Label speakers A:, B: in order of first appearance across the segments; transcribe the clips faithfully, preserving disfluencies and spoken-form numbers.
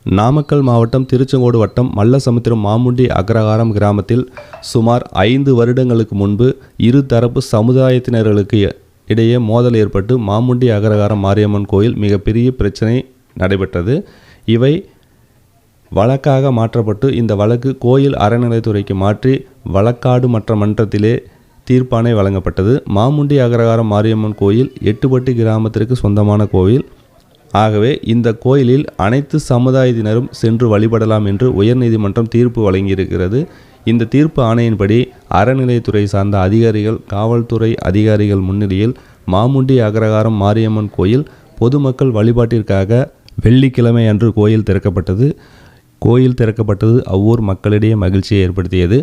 A: நாமக்கல் மாவட்டம் திருச்செங்கோடு வட்டம் மல்லசமுத்திரம் மாமுண்டி அக்ரஹாரம் கிராமத்தில் சுமார் ஐந்து வருடங்களுக்கு முன்பு இரு தரப்பு சமுதாயத்தினர்களுக்கு இடையே மோதல் ஏற்பட்டு மாமுண்டி அக்ரஹாரம் மாரியம்மன் கோயில் மிகப்பெரிய பிரச்சனை நடைபெற்றது. இவை வழக்காக மாற்றப்பட்டு இந்த வழக்கு கோயில் அறநிலைத்துறைக்கு மாற்றி வழக்காடு மற்ற மன்றத்திலே தீர்ப்பாணை வழங்கப்பட்டது. மாமுண்டி அக்ரஹாரம் மாரியம்மன் கோயில் எட்டுப்பட்டி கிராமத்திற்கு சொந்தமான கோயில். ஆகவே இந்த கோயிலில் அனைத்து சமுதாயத்தினரும் சென்று வழிபடலாம் என்று உயர்நீதிமன்றம் தீர்ப்பு வழங்கியிருக்கிறது. இந்த தீர்ப்பு ஆணையின்படி அறநிலையத்துறை சார்ந்த அதிகாரிகள், காவல்துறை அதிகாரிகள் முன்னிலையில் மாமுண்டி அக்ரஹாரம் மாரியம்மன் கோயில் பொதுமக்கள் வழிபாட்டிற்காக வெள்ளிக்கிழமை அன்று கோயில் திறக்கப்பட்டது. கோயில் திறக்கப்பட்டது அவ்வூர் மக்களிடையே மகிழ்ச்சியை ஏற்படுத்தியது.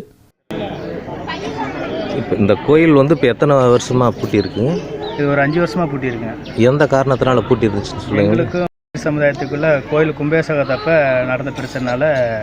B: இப்போ இந்த கோயில் வந்து இப்போ எத்தனை வருஷமாக பூட்டி இருக்குங்க?
C: இது ஒரு அஞ்சு வருஷமாக பூட்டி இருக்குங்க.
B: எந்த காரணத்தினால பூட்டி இருந்துச்சுன்னு சொல்லுங்க.
C: எங்களுக்கும் சமுதாயத்துக்குள்ளே கோயில் கும்பேசகத்தப்ப நடந்த பிரச்சனைனால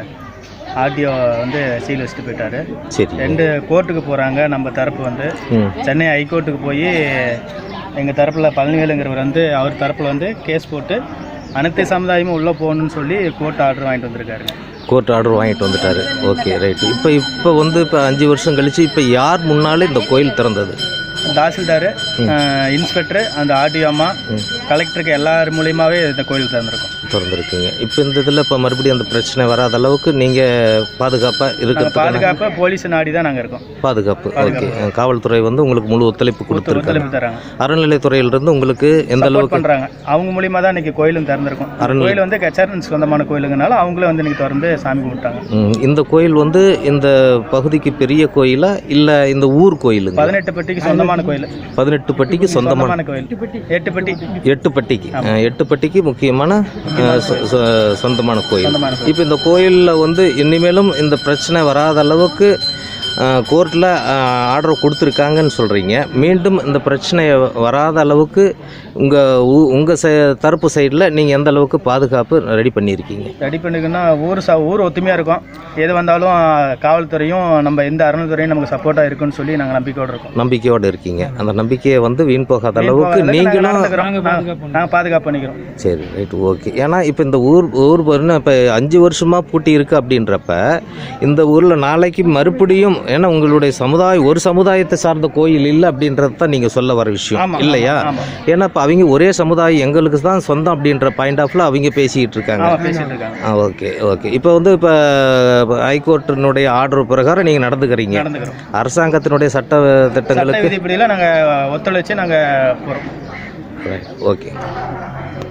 C: ஆர்டிஓ வந்து சீல் வச்சுட்டு போயிட்டாரு.
B: சரி,
C: ரெண்டு கோர்ட்டுக்கு போகிறாங்க. நம்ம தரப்பு வந்து சென்னை ஹைகோர்ட்டுக்கு போய் எங்கள் தரப்பில் பழனிவேலுங்கிறவர் வந்து அவர் தரப்பில் வந்து கேஸ் போட்டு அனைத்து சமுதாயமும் உள்ளே போகணுன்னு சொல்லி கோர்ட் ஆர்டர் வாங்கிட்டு வந்திருக்காரு.
B: கோர்ட் ஆர்டர் வாங்கிட்டு வந்துட்டாரு. Okay, right. இப்போ இப்போ வந்து இப்போ அஞ்சு வருஷம் கழிச்சு இப்போ யார் முன்னாலே இந்த கோயில் திறந்தது?
C: தாசில்தார், இன்ஸ்பெக்டர், அந்த ஆர்டிஓ அம்மா, கலெக்டருக்கு எல்லார் மூலியமாகவே இந்த கோயில் திறந்துருக்கும்
B: திறந்துருக்குங்க. இப்போ இந்த இதில் இப்போ மறுபடியும் அந்த பிரச்சனை வராத அளவுக்கு நீங்கள் பாதுகாப்பாக இருக்கிற
C: பாதுகாப்பாக போலீஸ் நாடி தான் நாங்கள் இருக்கோம்.
B: பாதுகாப்பு ஓகே. காவல்துறை வந்து உங்களுக்கு முழு ஒத்துழைப்பு கொடுத்துருக்காங்க.
C: தராங்க.
B: அறநிலையத்துறையிலிருந்து உங்களுக்கு எந்த அளவுக்கு
C: பண்ணுறாங்க? அவங்க மூலியமாக தான் இன்றைக்கி கோயிலும் திறந்திருக்கும். கோயில் வந்து கச்சேரன் சொந்தமான கோயிலுங்கனால அவங்களே வந்து இன்றைக்கி திறந்து சாமி கும்பிட்டாங்க.
B: இந்த கோயில் வந்து இந்த பகுதிக்கு பெரிய கோயிலா இல்லை இந்த ஊர் கோயில்?
C: பதினெட்டு பட்டிக்கு சொந்தமான கோயில்.
B: பதினெட்டு பட்டிக்கு சொந்தமான
C: கோயில். எட்டு பட்டி
B: எட்டு பட்டிக்கு எட்டு பட்டிக்கு முக்கியமான சொந்தமான கோயில். இப்போ இந்த கோயிலில் வந்து இனிமேலும் இந்த பிரச்சனை வராத அளவுக்கு கோர்ட்டில் ஆர்டர் கொடுத்துருக்காங்கன்னு சொல்கிறீங்க. மீண்டும் இந்த பிரச்சனை வராத அளவுக்கு உங்கள் உங்கள் ச தரப்பு சைடில் நீங்கள் எந்த அளவுக்கு பாதுகாப்பு ரெடி பண்ணியிருக்கீங்க?
C: ரெடி பண்ணிருக்குன்னா ஊர் ச ஊர் ஒத்துமையாக இருக்கும். எது வந்தாலும் காவல்துறையும் நம்ம எந்த அறநிலைத்துறையும் நமக்கு சப்போர்ட்டாக இருக்குன்னு சொல்லி நாங்கள் நம்பிக்கையோடு இருக்கோம்.
B: நம்பிக்கையோடு இருக்கீங்க. அந்த நம்பிக்கையை வந்து வீண் போகாத அளவுக்கு நீங்களும்
C: நாங்கள் பாதுகாப்பு பண்ணிக்கிறோம்.
B: சரி, ரைட், ஓகே. ஏன்னா இப்போ இந்த ஊர் ஊர் இப்போ அஞ்சு வருஷமாக பூட்டி இருக்குது அப்படின்றப்ப இந்த ஊரில் நாளைக்கு மறுபடியும், ஏன்னா உங்களுடைய சமுதாயம் ஒரு சமுதாயத்தை சார்ந்த கோயில் இல்லை அப்படின்றது தான் நீங்கள் சொல்ல வர விஷயம் இல்லையா? ஏன்னா இப்போ அவங்க ஒரே சமுதாயம் எங்களுக்கு தான் சொந்தம் அப்படின்ற பாயிண்ட் ஆஃப்ல அவங்க பேசிக்கிட்டு இருக்காங்க. ஆ, ஓகே ஓகே. இப்போ வந்து இப்போ ஹைகோர்ட்டினுடைய ஆர்டர் பிரகாரம் நீங்கள் நடந்துக்கிறீங்க. அரசாங்கத்தினுடைய சட்ட திட்டங்களுக்கு
C: நாங்கள் ஒத்துழைச்சு நாங்கள் போகிறோம்.
B: ஓகே.